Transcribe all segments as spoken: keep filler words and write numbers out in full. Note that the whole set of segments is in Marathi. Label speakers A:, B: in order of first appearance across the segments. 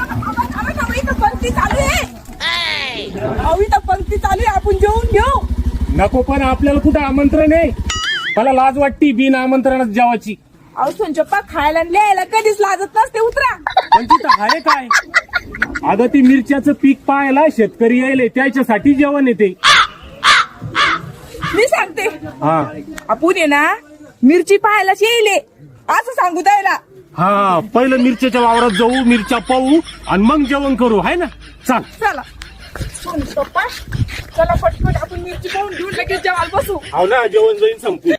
A: पंक्ती चालू आहे अहो इथं पंक्ती चालू आहे आपण जेवून घेऊ.
B: नको पण आपल्याला कुठं आमंत्रण आहे? मला लाज वाटती बिन आमंत्रणात जेवाची.
A: अहो सोनचप्पा खायला आणि लिहायला कधीच लाजत नसते उतरा.
B: पण तिथं आहे काय? अगं ती मिरच्याचं पीक पाहायला शेतकरी यायले त्याच्यासाठी जेवण येते.
A: मी सांगते
B: हा
A: आपण ये ना मिरची पाहायला येईले असं सांगू द्यायला.
B: हा पहिलं मिरच्याच्या वावरात जाऊ, मिरच्या पाहू आणि मग जेवण करू, आहे ना? चाल.
A: चला सोनचप्पा चला पटपट आपण मिरची पाहून घेऊन लगेच जेवायला बसू.
B: हो ना, जेवण जाईन संपू.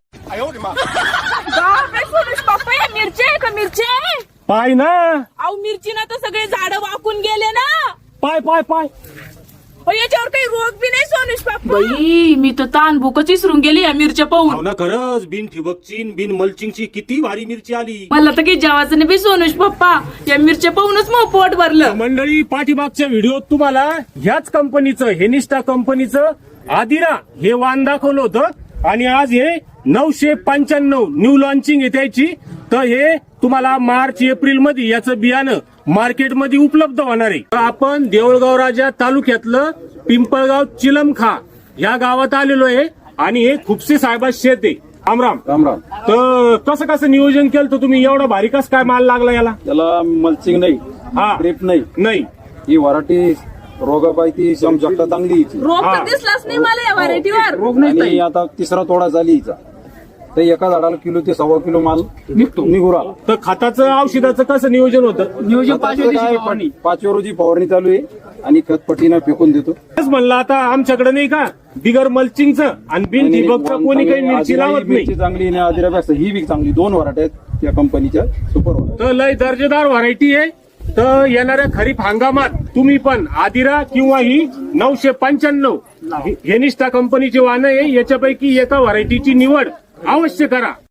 A: बापरे सोनुष पप्पा या मिरची आहे का मिरची आहे?
B: पाय ना,
A: अहो मिरची ना तर सगळे झाड वाकून गेले ना.
B: पाय पाय पाय.
A: अहो, याच्यावर काही रोग बी नाही सोनुष पप्पा.
C: बाई मी तर तान भूकच विसरून गेली या मिरच्या
B: हो
C: पाहून.
B: ना, खरंच बिन ठिबकची बिन मल्चिंगची किती भारी मिरची आली.
C: मला तर काही जेवायचं नाही बी सोनुष पप्पा, या मिरच्या पाहूनच मग पोट भरलं.
B: मंडळी, पाठीमागच्या व्हिडिओत तुम्हाला ह्याच कंपनीचं हेनिस्टा कंपनीचं आदिरा हे वाण दाखवलं होतं आणि आज हे नऊशे पंच्याण्णव न्यू लॉन्चिंग आहे त्याची. तर हे तुम्हाला मार्च एप्रिल मध्ये याचं बियाणं मार्केटमध्ये उपलब्ध होणार आहे. आपण देऊळगाव राजा तालुक्यातलं पिंपळगाव चिलमखा या गावात आलेलो आहे आणि हे खुपसे साहेबाचं शेत आहे. रामराम
D: रामराम.
B: तर कसं कसं नियोजन केलं तर तुम्ही एवढा भारी कस काय माल लागला याला?
D: त्याला मल्चिंग नाही,
B: हा.
D: ड्रिप नाही,
B: नाही
D: ही वराठी रोगापायती समजकता चांगली हिची.
A: रोग
B: हा.
A: तर दिसलाच नाही मला या व्हरायटीवर.
D: रोग नाही. आणि आता तिसरा तोडा झाली हिचा, तर एका झाडाला किलो ते सव्वा किलो माल निघतो निघू राहिला.
B: तर खताचं औषधाचं कसं नियोजन होतं?
D: नियोजन पाचव्या रोजी फवारणी चालू आहे आणि खतपट्टीनं फेकून देतो.
B: तेच म्हणलं आता आमच्याकडे नाही का बिगर मल्चिंगचं आणि बिन ठिबकचं कोणी काही मिरची लावत नाही.
D: मिरची चांगली आणि आदिरापेक्षा ही बी चांगली. दोन वराठे आहेत त्या कंपनीच्या, सुपर वराठे.
B: तर लय दर्जेदार व्हरायटी आहे. तर येणाऱ्या खरीप हंगामात तुम्ही पण आदिरा किंवा ही नऊशे पंच्याण्णव हेनिस्टा कंपनीची वाहनं आहे, याच्यापैकी एका व्हरायटीची निवड अवश्य करा.